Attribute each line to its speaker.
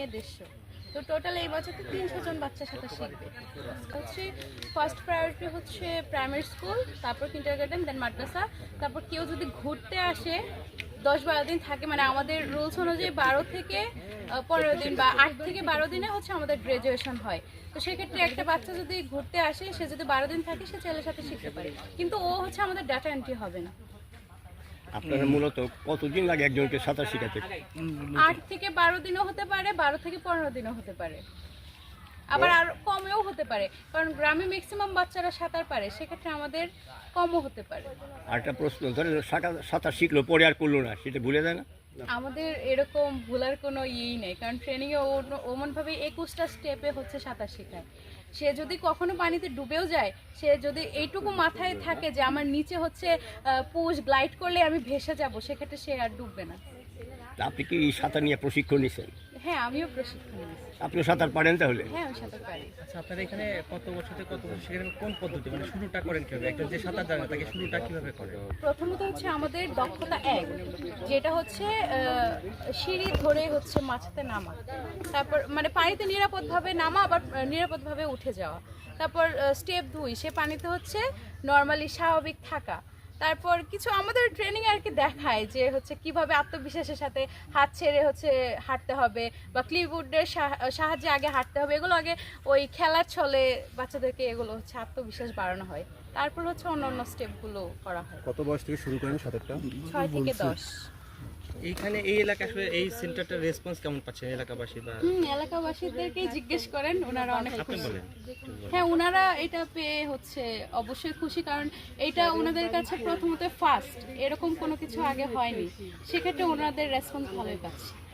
Speaker 1: 150। তো টোটাল এই বছর তো 300 জন বাচ্চা সাঁতার শিখবে। হচ্ছে ফার্স্ট প্রায়োরিটি হচ্ছে প্রাইমারি স্কুল, তারপর কিন্ডারগার্টেন, দেন মাদ্রাসা। তারপর কেউ যদি ঘুরতে আসে 10-12 দিন থাকে, মানে আমাদের রুলস অনুযায়ী 12 থেকে 15 দিন বা 8 থেকে 12 দিনে হচ্ছে আমাদের গ্রাজুয়েশন হয়। তো সেক্ষেত্রে একটা বাচ্চা যদি ঘুরতে আসে, সে যদি 12 দিন থাকে, সে ছেলের সাথে শিখতে পারে, কিন্তু ও হচ্ছে আমাদের ডাটা এন্ট্রি হবে না।
Speaker 2: আপনারা মূলত কতদিন লাগে একজনকে সাঁতার শেখাতে?
Speaker 1: 8 থেকে 12 দিনও হতে পারে, 12 থেকে 15 দিনও হতে পারে, আবার আর কমেও হতে পারে, কারণ গ্রামে ম্যাক্সিমাম বাচ্চারা সাঁতার পারে, সেক্ষেত্রে আমাদের কমও হতে পারে।
Speaker 2: আরেকটা প্রশ্ন, ধরেন সাঁতার শিখলো পরে আর করলো না, সেটা ভুলে যায় না?
Speaker 1: আমাদের এরকম ভুলার কোনো ইয়েই নেই, কারণ ট্রেনিংয়ে ওমনভাবে 21টা স্টেপে হচ্ছে সাঁতার শেখায়। সে যদি কখনো পানিতে ডুবেও যায়, সে যদি এইটুকু মাথায় থাকে যে আমার নিচে হচ্ছে পুশ গ্লাইড করলে আমি ভেসে যাব, সেক্ষেত্রে সে আর ডুববে না।
Speaker 2: আপনি কি সাঁতার নিয়ে প্রশিক্ষণ নিয়েছেন?
Speaker 1: হ্যাঁ, আমিও প্রশিক্ষণ নিয়েছি।
Speaker 2: আপনিও সাঁতার পারেন তাহলে?
Speaker 1: হ্যাঁ, আমি সাঁতার পারি।
Speaker 3: আচ্ছা, আপনারা এখানে কত বছর থেকে কত বছর শেখান, কোন পদ্ধতি, মানে শুরুটা করেন কিভাবে? একজন যে সাঁতার জানে তাকে শুরুটা কিভাবে করে?
Speaker 1: প্রথমত হচ্ছে আমাদের দক্ষতা 1, যেটা হচ্ছে সিঁড়ি ধরে হচ্ছে মাছতে নামা, তারপর মানে পানিতে নিরাপদভাবে নামা, আবার নিরাপদভাবে উঠে যাওয়া। তারপর স্টেপ 2, সে পানিতে হচ্ছে নর্মালি স্বাভাবিক থাকা। তারপর কিছু আমাদের ট্রেনিং আর কি দেখায় যে হচ্ছে কিভাবে আত্মবিশ্বাসের সাথে হাত ছেড়ে হচ্ছে হাঁটতে হবে, বা ক্লিপবোর্ডের সাহায্যে আগে হাঁটতে হবে। এগুলো আগে ওই খেলার ছলে বাচ্চাদেরকে এগুলো হচ্ছে আত্মবিশ্বাস বাড়ানো হয়, তারপর হচ্ছে অন্যান্য স্টেপগুলো করা হয়।
Speaker 4: কত বয়স থেকে শুরু করেন সাঁতারটা?
Speaker 1: 6 থেকে 10।
Speaker 3: এইখানে এই এলাকা আসলে এই সেন্টারটার রেসপন্স কেমন পাচ্ছেন এলাকাবাসী? বা
Speaker 1: এলাকাবাসীদেরকেই জিজ্ঞেস করেন, ওনারা অনেক
Speaker 3: আপনি
Speaker 1: খুশি।
Speaker 3: বলেন।
Speaker 1: হ্যাঁ, ওনারা এটা পেয়ে হচ্ছে অবশ্যই খুশি, কারণ এটা ওনাদের কাছে প্রথমত ফার্স্ট, এরকম কোনো কিছু আগে হয়নি, সেক্ষেত্রে ওনাদের রেসপন্স ভালোই পাচ্ছে।